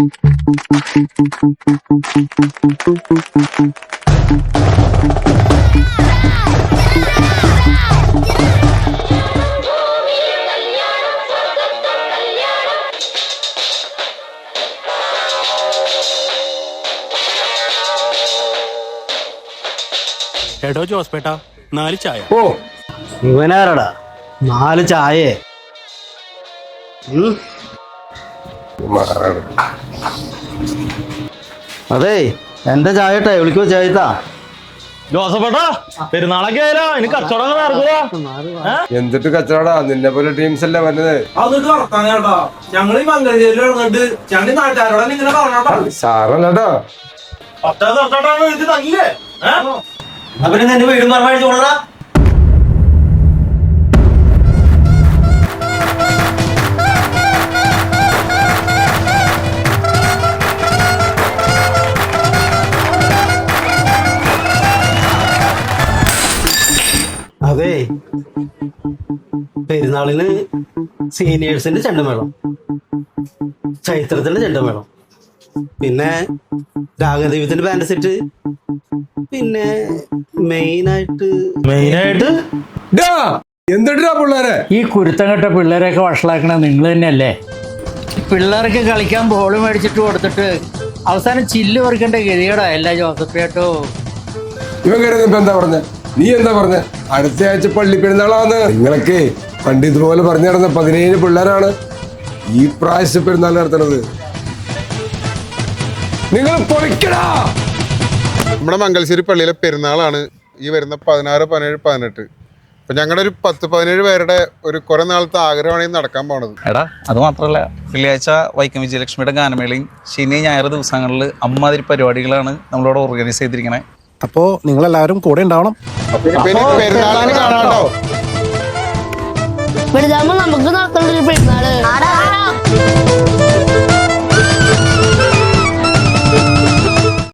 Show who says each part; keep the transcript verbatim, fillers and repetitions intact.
Speaker 1: എടോ ജോസ്പേട്ടാ, നാല് ചായ.
Speaker 2: ഓ ഇവനാരടാ നാല് ചായേ? അതെ എന്റെ ചായ ഇട്ടേ വിളിക്കോ ചായത്താ.
Speaker 3: ജോസഫേട്ടാ, പെരുന്നാളൊക്കെ ആയാലോ ഇനി കച്ചവടം നടക്കുക.
Speaker 4: എന്തിട്ട് കച്ചവടാ? നിന്നെ പോലെ ടീംസ് അല്ലേ വരുന്നത്.
Speaker 3: ഞങ്ങൾ ഈ മംഗലശ്ശേരിയിൽ ഇറങ്ങിട്ട് ഞങ്ങൾ നാട്ടുകാരോടെ ഇങ്ങനെ പറഞ്ഞോട്ടോ.
Speaker 4: സാറല്ലട്ടോ,
Speaker 3: പത്താം തൊട്ടാണ് ഇത് തങ്ങില്ലേ?
Speaker 2: അവര് നിന്റെ വീടും പറഞ്ഞു ചോടാ. അതെ പെരുന്നാളിന് സീനിയേഴ്സിന്റെ ചെണ്ടമേളം, ചൈത്രത്തിന്റെ ചെണ്ടമേളം, പിന്നെ രാഗദൈവത്തിന്റെ ബാൻഡ് സെറ്റ്, പിന്നെ മെയിനായിട്ട്
Speaker 3: മെയിനായിട്ട്
Speaker 4: എന്തിട്ടാ പിള്ളേരെ
Speaker 5: ഈ കുരുത്തം കെട്ട പിള്ളേരെയൊക്കെ വഷളാക്കണ നിങ്ങൾ തന്നെയല്ലേ? പിള്ളേർക്ക് കളിക്കാൻ ബോൾ മേടിച്ചിട്ട് കൊടുത്തിട്ട് അവസാനം ചില്ല് പറിക്കേണ്ട ഗതികേടാ എല്ലാ ജോസഫേട്ടോ.
Speaker 4: ഇവൻ കരുതി ഇപ്പൊ എന്താ പറഞ്ഞ? നീ എന്താ പറഞ്ഞ? അടുത്ത ആഴ്ച പള്ളി പെരുന്നാളാന്ന്. നിങ്ങളൊക്കെ പണ്ട് ഇതുപോലെ പറഞ്ഞു നടന്ന പതിനേഴ് പിള്ളേരാണ് ഈ പ്രാവശ്യ പെരുന്നാൾ നടത്തണത്. നിങ്ങൾ പൊളിക്കടാ.
Speaker 6: നമ്മുടെ മംഗലശ്ശേരി പള്ളിയിലെ പെരുന്നാളാണ് ഈ വരുന്ന പതിനാറ് പതിനേഴ് പതിനെട്ട്. അപ്പൊ ഞങ്ങളുടെ ഒരു പത്ത് പതിനേഴ് പേരുടെ ഒരു കുറെ നാളത്തെ ആഗ്രഹമാണ് ഈ നടക്കാൻ പോണത്.
Speaker 7: എടാ അത് മാത്രമല്ല, വെള്ളിയാഴ്ച വൈക്കം വിജയലക്ഷ്മിയുടെ ഗാനമേളയും ശനി ഞായർ ദിവസങ്ങളിൽ അമ്മാതിരി പരിപാടികളാണ് നമ്മളോട് ഓർഗനൈസ് ചെയ്തിരിക്കണേ.
Speaker 8: അപ്പോ നിങ്ങളെല്ലാവരും കൂടെ ഉണ്ടാവണം.
Speaker 6: പെരുന്നാളിന് കാണാട്ടോ.
Speaker 9: വലുതാകുമ്പോ നമുക്ക് നോക്കേണ്ട ഒരു പെരുന്നാള്.